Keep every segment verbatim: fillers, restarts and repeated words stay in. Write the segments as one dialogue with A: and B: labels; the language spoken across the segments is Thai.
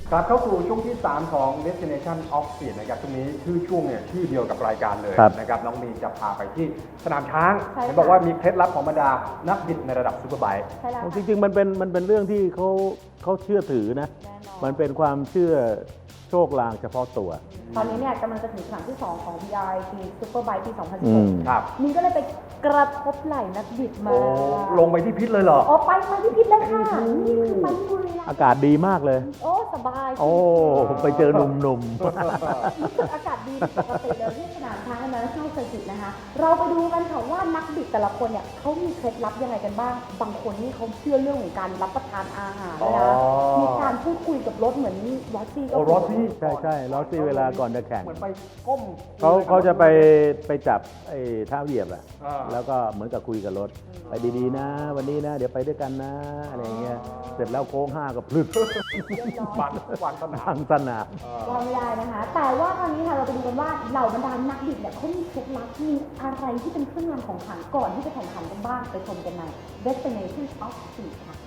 A: กลับเข้าสู่ช่วงที่สามของ Destination of Speed นะครับช่วงนี้ชื่อช่วงเนี่ยชื่อเดียวกับรายการเลยนะครับน้องมีนจะพาไปที่สนามช้างเห็นบอกว่ามีเคล็ดลับของบรรดานักบิดในระดับซูเปอร์ไบค์
B: จริงๆมันเป็นมันเป็นเรื่องที่เขาเขาเชื่อถือนะมันเป็นความเชื่อโชคลางเฉพาะตัว
C: ตอนนี้เนี่ยกำลังจะถึงครั้งที่สองของ บี อาร์ ไอ ซี Superbike ปี สองพันสิบหก
A: ครับ
C: มีก็เลยไปกระทบไหล่นักบิดมา
A: ลงไปที่พิษเลยเหรอ
C: อ๋อไปมาที่พิษเลยค่ะนี่คือไปที่บุรีรัมย์
B: อากาศดีมากเลย
C: โอ้สบาย
B: โอ้ไปเจอหนุ่มๆ
C: รู้สึกอากาศดีปกติเลยที่สนามช้างนะช่างเซอร์กิตนะคะเราไปดูกันค่ะว่านักบิดแต่ละคนเนี่ยเขามีเคล็ดลับยังไงกันบ้างบางคนนี่เขาเชื่อเรื่องของการรับประทานอาหารนะมีการพูดคุยกับรถเหมือนลอสซี่ก็
A: รถซี่
B: ใช่ใช่ลอสซี่เวลาก่อนจะแข่ง
A: เหมือนไปก้ม
B: เขาเขาจะไปไปจับไอ้เท้าเหยียบอะแล้วก็เหมือนกับคุยกับรถไปดีๆนะวันนี้นะเดี๋ยวไปด้วยกันนะอะไรเงี้ยเสร็จแล้วโค้งห้าก็พลึด
A: วางวางสนาม
B: วางสนาม
C: วางไม่ได้นะคะแต่ว่าตอนนี้ค่ะเราไปดูกันว่าเหล่าบรรดานักบิดเนี่ยเขามีเคล็ดลับมีอะไรที่เป็นเครื่องรางของขลังก่อนที่จะแข่งขันกันบ้างไปชมกันใน Destination of Speed ค่ะ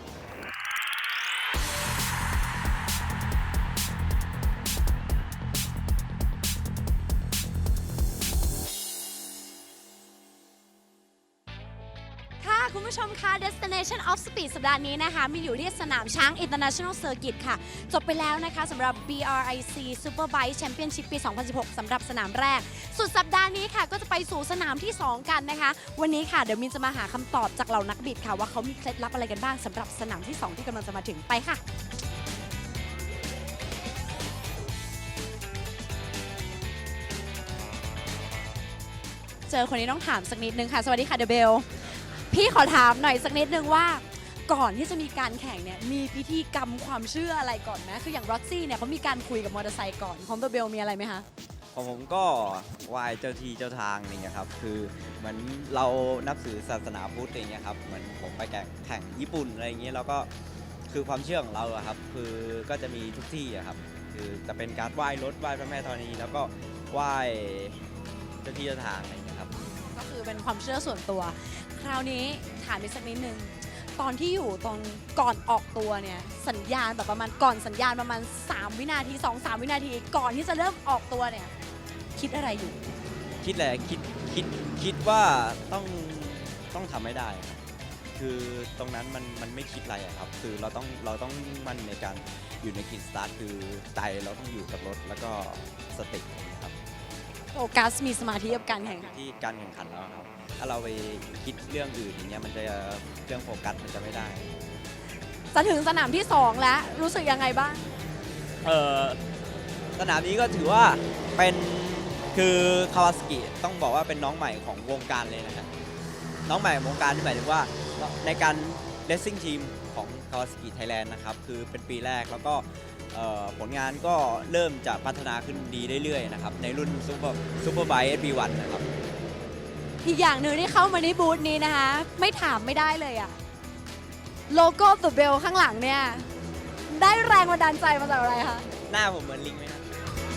D: คุณผู้ชมคะ Destination of Speed สัปดาห์นี้นะคะมีอยู่ที่สนามช้าง International Circuit ค่ะจบไปแล้วนะคะสำหรับ บี อาร์ ไอ ซี Superbike Championship ปี สองพันสิบหก สำหรับสนามแรกสุดสัปดาห์นี้ค่ะก็จะไปสู่สนามที่สองกันนะคะวันนี้ค่ะเดี๋ยวมินจะมาหาคำตอบจากเหล่านักบิดค่ะว่าเขามีเคล็ดลับอะไรกันบ้างสำหรับสนามที่สองที่กำลังจะมาถึงไปค่ะเจอคนนี้ต้องถามสักนิดนึงค่ะสวัสดีค่ะเดเบลพี่ขอถามหน่อยสักนิดนึงว่าก่อนที่จะมีการแข่งเนี่ยมีพิธีกรรมความเชื่ออะไรก่อนไหมคืออย่างรอสซี่เนี่ยเขามีการคุยกับมอเตอร์ไซค์ก่อนของเบลมีอะไรไหมคะ
E: ของผมก็ไหว้เจ้าที่เจ้าทางนี่ครับคือเหมือนเรานับถือศาสนาพุทธอย่างเงี้ยครับเหมือนผมไปแข่งแข่งญี่ปุ่นอะไรอย่างเงี้ยแล้วก็คือความเชื่อของเราอะครับคือก็จะมีทุกที่อะครับคือจะเป็นการไหว้รถไหว้พระแม่ธรณีแล้วก็ไหว้เจ้าที่เจ้าทางอะไรอย่างเงี้ยครับ
D: ก็คือเป็นความเชื่อส่วนตัวคราวนี้ถามอีกสักนิดนึงตอนที่อยู่ตอนก่อนออกตัวเนี่ยสัญญาณแบบประมาณก่อนสัญญาณประมาณสามวินาที สองถึงสาม วินาทีก่อนที่จะเริ่มออกตัวเนี่ยคิดอะไรอยู่
E: คิดแหละคิดคิดคิดว่าต้องต้องทำให้ได้คือตรงนั้นมันมันไม่คิดอะไรครับคือเราต้องเราต้องมั่นในการอยู่ในกิจสตาร์ทคือใจเราต้องอยู่กับรถแล้วก็สตินะครับ
D: โฟกัสมีสมาธิกับการแข่งขัน
E: ที่การแข่งขันแล้วครับถ้าเราไปคิดเรื่องอื่นอย่างเงี้ยมันจะเรื่องโฟกัสมันจะไม่ได้
D: จะถึงสนามที่สองแล้วรู้สึกยังไงบ้าง
E: เออสนามนี้ก็ถือว่าเป็นคือคาวาซากิต้องบอกว่าเป็นน้องใหม่ของวงการเลยนะครับน้องใหม่ของวงการที่หมายถึงว่าในการเลสซิ่งทีมของคาวาซากิไทยแลนด์นะครับคือเป็นปีแรกแล้วก็ผลงานก็เริ่มจะพัฒนาขึ้นดีเรื่อยๆนะครับในรุ่นซูเปอร์ซูเปอร์ไบค์ เอส บี วัน นะครับ
D: อีกอย่างหนึ่งที่เข้ามาในบูธนี้นะคะไม่ถามไม่ได้เลยอะโลโก้ตัวเบลข้างหลังเนี่ยได้แรงบันดาลใจมาจากอะไรคะ
E: หน้าผมเหมือนลิงไหมครับ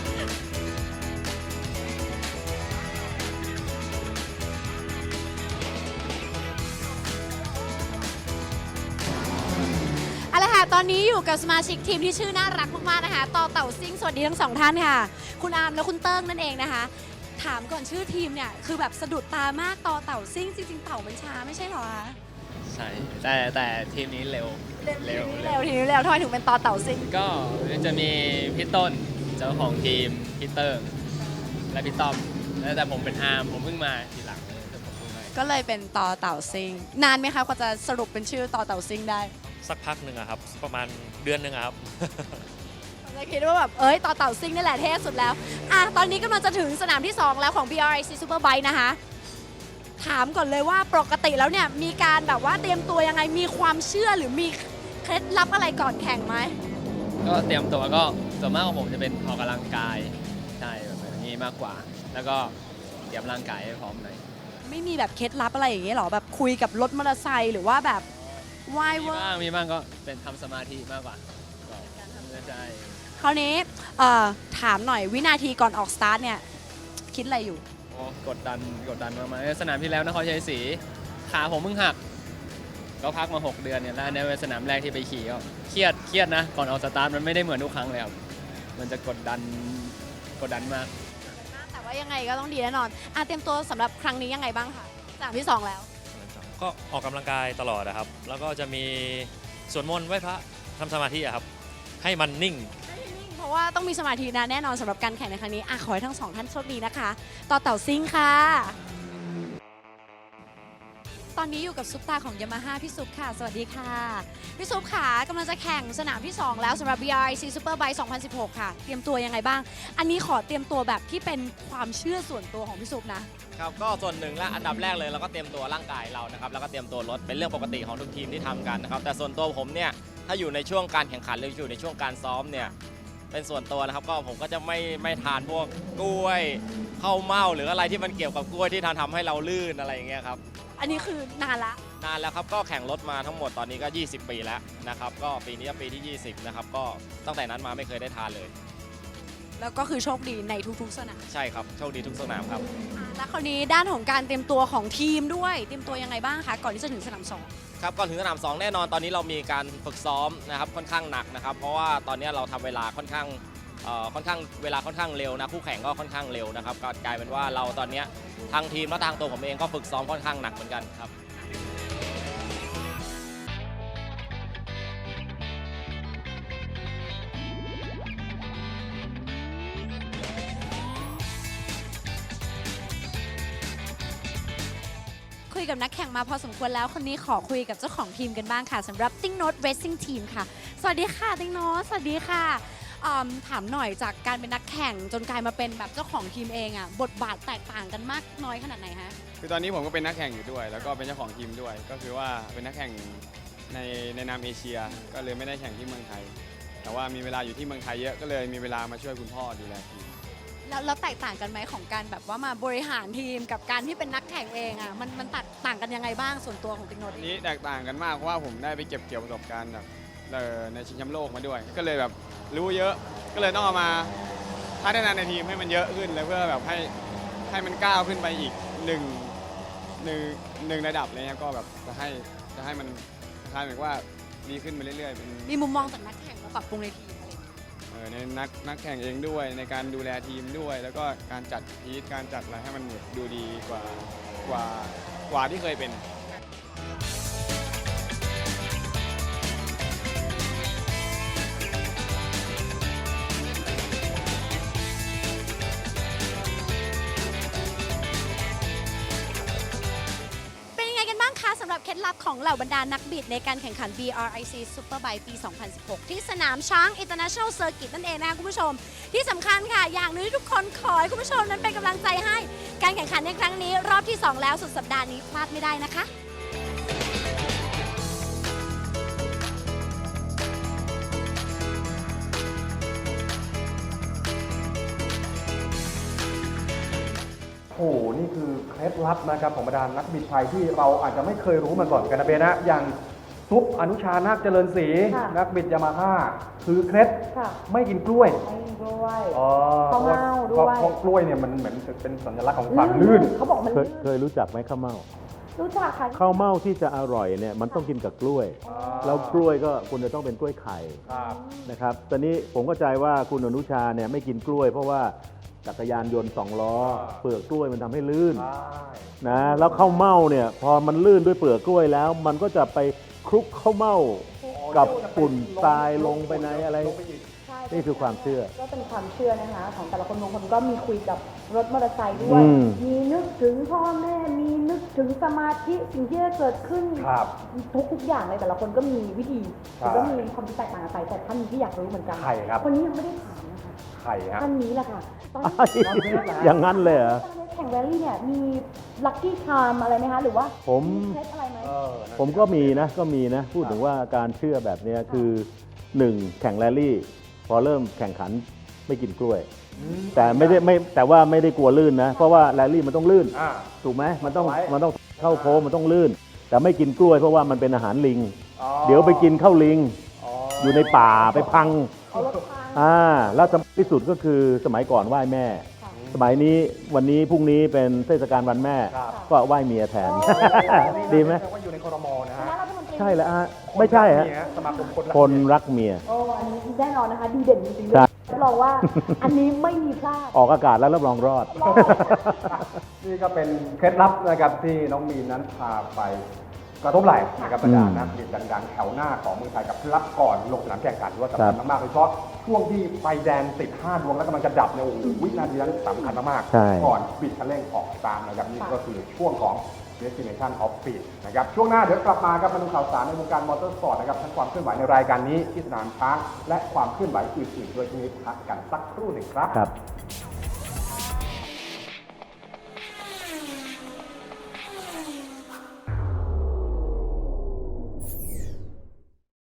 D: เอาละค่ะตอนนี้อยู่กับสมาชิกทีมที่ชื่อน่ารักมากๆนะคะต่อเต่าซิ่งสวัสดีทั้งสองท่านค่ะคุณอาร์มและคุณเติ้งนั่นเองนะคะถามก่อนชื่อทีมเนี่ยคือแบบสะดุดตามากต่อเต่าซิ่งจริงๆเต่ามันช้าไม่ใช่หรอคะ
F: ใช่แต่แต่ทีมนี้เร็ว
D: เร็วเร็วทีมนี้เร็วทำไมถึงเป็นต่อเต่าซิ่ง
F: ก็จะมีพี่ต้นเจ้าของทีมพี่เติ้งและพี่ต้อมแล้วแต่ผมเป็นอาร์มผมเพิ่งมาทีหลัง
D: ก็เลยเป็นต่อเต่าซิ่งนานไหมคะกว่าจะสรุปเป็นชื่อต่อเต่าซิ่งได้
G: สักพักหนึ่งครับประมาณเดือนหนึ่งครับ
D: เราคิดว่าแบบเอ้ยต่อเต่าซิ่งนี่แหละเท่สุดแล้วอ่ะตอนนี้กำลังจะถึงสนามที่สองแล้วของ บี อาร์ ไอ ซี Superbike นะคะถามก่อนเลยว่าปกติแล้วเนี่ยมีการแบบว่าเตรียมตัวยังไงมีความเชื่อหรือมีเคล็ดลับอะไรก่อนแข่งไหม
F: ก็เตรียมตัวก็ส่วนมากของผมจะเป็นออกกำลังกายใช่แบบนี้มากกว่าแล้วก็เตรียมร่างกายให้พร้อมหน่อย
D: ไม่มีแบบเคล็ดลับอะไรอย่างเงี้ยหรอแบบคุยกับรถมอเตอร์ไซค์หรือว่าแบบว่าย
F: ว่ามีบ้างมีบ้างก็เป็นทำสมาธิมากกว่าใช่
D: คราวนี้ถามหน่อยวินาทีก่อนออกสตาร์ทเนี่ยคิดอะไรอยู่
F: กดดันกดดันมากๆสนามที่แล้วนครชัยศรีขาผมเพิ่งหักก็พักมา หก เดือนเนี่ยแล้วอันนี้เป็นสนามแรกที่ไปขี่ก็เครียดเครียดนะก่อนออกสตาร์ทมันไม่ได้เหมือนทุกครั้งเลยครับมันจะกดดันกดดันมาก
D: แต่ว่ายังไงก็ต้องดีแน่นอนอ่ะเตรียมตัวสำหรับครั้งนี้ยังไงบ้างคะสนามที่สองแล้ว
G: ก็ออกกำลังกายตลอดนะครับ แล้วก็จะมีสวดมนต์ไหว้พระทำสมาธิอะครับ ให้มันนิ่ง
D: เพราะว่าต้องมีสมาธินะแน่นอนสำหรับการแข่งในครั้งนี้อ่ะขอให้ทั้งสองท่านโชคดีนะคะ ต่อเต่าซิ่งค่ะ ตอนนี้อยู่กับซุปตาของยามาฮ่าพี่ซุปค่ะ สวัสดีค่ะ พี่ซุปค่ะกำลังจะแข่งสนามที่ สอง แล้วสำหรับ บี อาร์ ไอ ซี Superbike สองพันสิบหก ค่ะ เตรียมตัวยังไงบ้าง อันนี้ขอเตรียมตัวแบบที่เป็นความเชื่อส่วนตัวของพี่ซุปนะ
H: ครับก็ส่วนหนึ่งและอันดับแรกเลยเราก็เตรียมตัวร่างกายเรานะครับแล้วก็เตรียมตัวรถเป็นเรื่องปกติของทุกทีมที่ทำกันนะครับแต่ส่วนตัวผมเนี่ยถ้าอยู่ในช่วงการแข่งขันหรืออยู่ในช่วงการซ้อมเนี่ยเป็นส่วนตัวนะครับก็ผมก็จะไม่ไม่ทานพวกกล้วยข้าวเม่าหรืออะไรที่มันเกี่ยวกับกล้วยที่ทำทำให้เราลื่นอะไรอย่างเงี้ยครับ
D: อันนี้คือนานละ
H: นานแล้วครับก็แข่งรถมาทั้งหมดตอนนี้ก็ ยี่สิบ ปีแล้วนะครับก็ปีนี้ก็ปีที่ ยี่สิบ นะครับก็ตั้งแต่นั้นมาไม่เคยได้ทานเลย
D: แล้วก็คือโชคดีในทุกๆสนาม
H: ใช่ครับโชคดีทุกสนามครับ
D: อ่ะแล้วคราวนี้ด้านของการเตรียมตัวของทีมด้วย เตรียมตัวยังไงบ้างคะก่อนที่จะถึงสนามสอง
H: ครับก่อนถึงสนามสองแน่นอนตอนนี้เรามีการฝึกซ้อมนะครับค่อนข้างหนักนะครับเพราะว่าตอนนี้เราทำเวลาค่อนข้างเอ่อค่อนข้างเวลาค่อนข้างเร็วนะคู่แข่งก็ค่อนข้างเร็วนะครับก็กลายเป็นว่าเราตอนนี้ทางทีมและทางตัวผมเองก็ฝึกซ้อมค่อนข้างหนักเหมือนกันครับ
D: คุยกับนักแข่งมาพอสมควรแล้วคนนี้ขอคุยกับเจ้าของทีมกันบ้างค่ะสำหรับติ้งโน t เร Racing Team ค่ะสวัสดีค่ะติ้งโน t สวัสดีค่ะอืมถามหน่อยจากการเป็นนักแข่งจนกลายมาเป็นแบบเจ้าของทีมเองอ่ะบทบาทแตกต่างกันมากน้อยขนาดไหนฮะ
I: คือตอนนี้ผมก็เป็นนักแข่งอยู่ด้วย แล้วก็เป็นเจ้าของทีมด้วย ก็คือว่าเป็นนักแข่งในในนามเอเชีย ก็เลยไม่ได้แข่งที่เมืองไทย แต่ว่ามีเวลาอยู่ที่เมืองไทยเยอะก็เลยมีเวลามาช่วยคุณพ่อดูแลทีม
D: แล้วแล้วแตกต่างกันไหมของการแบบว่ามาบริหารทีมกับการที่เป็นนักแข่งเองอ่ะมันมันแตกต่างกันยังไงบ้างส่วนตัวของติ้งโน t
I: อันนี้แตกต่างกันมากเพราะว่าผมได้ไปเก็บเกี่ยวประสบการณ์แบบเอ่อในชิงแชมป์โลกมาด้วย ก็เลยแบบรู้เยอะ ก็เลยต้องเอามาพัฒนาในทีมให้มันเยอะขึ้นเลยเพื่อแบบให้ให้มันก้าวขึ้นไปอีกหนึ่งหนึ่งหนึ่งระดับอะไรเงี้ยก็แบบจะให้จะให้มันคล้ายๆแบบว่าดีขึ้นไปเรื่อยๆเป็น
D: มีมุมมองจากนักแข่งมาปรับปรุงในทีมอะไรอย่างเงี้ย
I: เอ่อในนักนักแข่งเองด้วยในการดูแลทีมด้วย แล้วก็การจัดพีทการจัดอะไรให้มันดูดีกว่ากว่ากว่าที่เคยเป็น
D: เป็นยังไงกันบ้างคะสำหรับเคล็ดลับของเหล่าบรรดานักบิดในการแข่งขัน บี อาร์ ไอ ซี Superbike ปี สองพันสิบหก ที่สนามช้าง International Circuit นั่นเองนะคะคุณผู้ชม ที่สำคัญค่ะ อย่างหนึงที่ทุกคนขอให้คุณผู้ชมนั้นเป็นกำลังใจให้ การแข่งขันในครั้งนี้รอบที่ สอง แล้วสุดสัปดาห์นี้พลาดไม่ได้นะคะ
A: โอ้โหนี่คือเคล็ดลับนะครับของบรรดานักบิดไทยที่เราอาจจะไม่เคยรู้มาก่อนกันนะเบนะอย่างซุปอนุชานาคเจริญศรี
C: ค่ะ
A: นักบิดยามาฮ่าคือเคล็ด
C: ค่ะ
A: ไม่กินกล้วย
C: ไม่ด้วย
A: อ๋อ
C: ข้าวเม่าด้วย
A: เพราะเพราะกล้วยเนี่ยมันเหมือนเป็นสัญลักษณ์ของความลื่น
C: เขาบอกมัน
B: เคย
C: ลื่น
B: เคยรู้จักไหมข้าวเม่า
C: รู้จักค่ะ
B: ข้าวเม่าที่จะอร่อยเนี่ยมันต้องกินกับกล้วย
A: อ๋อ
B: แล้วกล้วยก็คุณจะต้องเป็นกล้วยไข่
A: ครับ
B: นะครับตอนนี้ผมเข้าใจว่าคุณอนุชาเนี่ยไม่กินกล้วย เพราะว่าจักรยานยนต์สองล้อ เปลือกกล้วยมันทำให้ลื่น
A: ใช่
B: นะแล้วข้าวเม่าเนี่ยพอมันลื่นด้วยเปลือกกล้วยแล้ว มันก็จะไปคลุกข้าวเม่ากับฝุ่นทรายลงไปในอะไร
A: ลงปอีก
C: ใช่
B: นี่คือความเชื่อ
C: ก็เป็นความเชื่อนะคะ ของแต่ละคนบางคนก็มีคุยกับรถมอเตอร์ไซค์ด้วย
B: อืม
C: มีนึกถึงพ่อแม่ มีนึกถึงสมาธิสิ่งที่จะเกิดขึ้น
A: ครับ
C: ทุกทุกๆอย่างเลยแต่ละคนก็มีวิธี
A: ใช่
C: แล้วก็มีความคิดแตกต่างกันไปแต่ท่านนี้ที่อยากรู้เหมือนกัน
A: ใครครับ
C: คนนี้ยังไม่ได้ถามนะคะ
A: ไข่ฮะ
C: ท่านนี้แหละค่ะตอน
B: อ้ายอย่างนั้นเลยเหรอ
C: แข่งแรลลี่เนี่ยมีลัคกี้ชามอะไรไหมคะหรือว่า
B: ผม
C: เคล็ดอะไรไหม
A: เออนั่น
B: ผมก็มีนะก็มีนะพูดถึงว่าการเชื่อแบบเนี้ยคือหนึ่งแข่งแรลลี่ พอเริ่มแข่งขันไม่กินกล้วย
A: อืม
B: แต่ไม่ได้ไม่แต่ว่าไม่ได้กลัวลื่นนะ เพราะว่าแรลลี่มันต้องลื่น
A: อ่า
B: ถูกไหมมันต้อง
A: ไว้
B: มันต้องเข้าโค้งมันต้องลื่น แต่ไม่กินกล้วยเพราะว่ามันเป็นอาหารลิง
A: อ๋อ
B: เดี๋ยวไปกินข้าวลิง
A: อ๋อ
B: อ
A: อยู่
B: ในป่าไปพัง
C: เอารถพัง
B: อ่าแล้วที่สุดก็คือสมัยก่อนไหว้แม่
C: ค่ะ
B: สมัยนี้วันนี้พรุ่งนี้เป็นเทศกาลวันแม่
A: ครับ
B: ก็ไหว้เมียแทน
C: โอ้
B: ดีไหม
A: แสดงว่าอยู่ในครมนะ
C: ค
A: ฮะ
C: ณะรัฐมนตรี
B: ช่แล้วฮะไม่ใช่ฮะ
A: นี่สมาคมคนรัก
B: คนรักเมีย
C: โอ้อันนี้แน่นอนนะคะ ดีเด่นจริงๆ
B: ใช่
C: รับรองว่าอันนี้ไม่มีพลาด
B: ออกอากาศแล้วรับรองรอด
A: นี่ก็เป็นเคล็ดลับนะครับที่น้องมีนนั้นพาไปกระทบไหล่นะครับบรรดานักบิดดังๆแถวหน้าของเมืองไทยกับเคล็ดลับก่อนลงสนามแข่งขันว่าสำคัญมากๆโดยเฉพาะช่วงที่ไฟแดงติดห้าดวงแล้วกำลังจะดับเนี่ยโอ้โหวินาทีนั้นสำคัญมาก
B: ใช่
A: ๆก่อนบิดคันเร่งออกตามนะครับนี่ก็คือช่วงของ Destination of Speed นะครับช่วงหน้าเดี๋ยวกลับมาครับมาดูข่าวสารในวงการมอเตอร์สปอร์ตนะครับทั้งความเคลื่อนไหวในรายการนี้ที่สนามช้างและความเคลื่อนไหวอื่นๆด้วยที่นี้พักกันสักครู่หนึ่งครับ
B: ครับ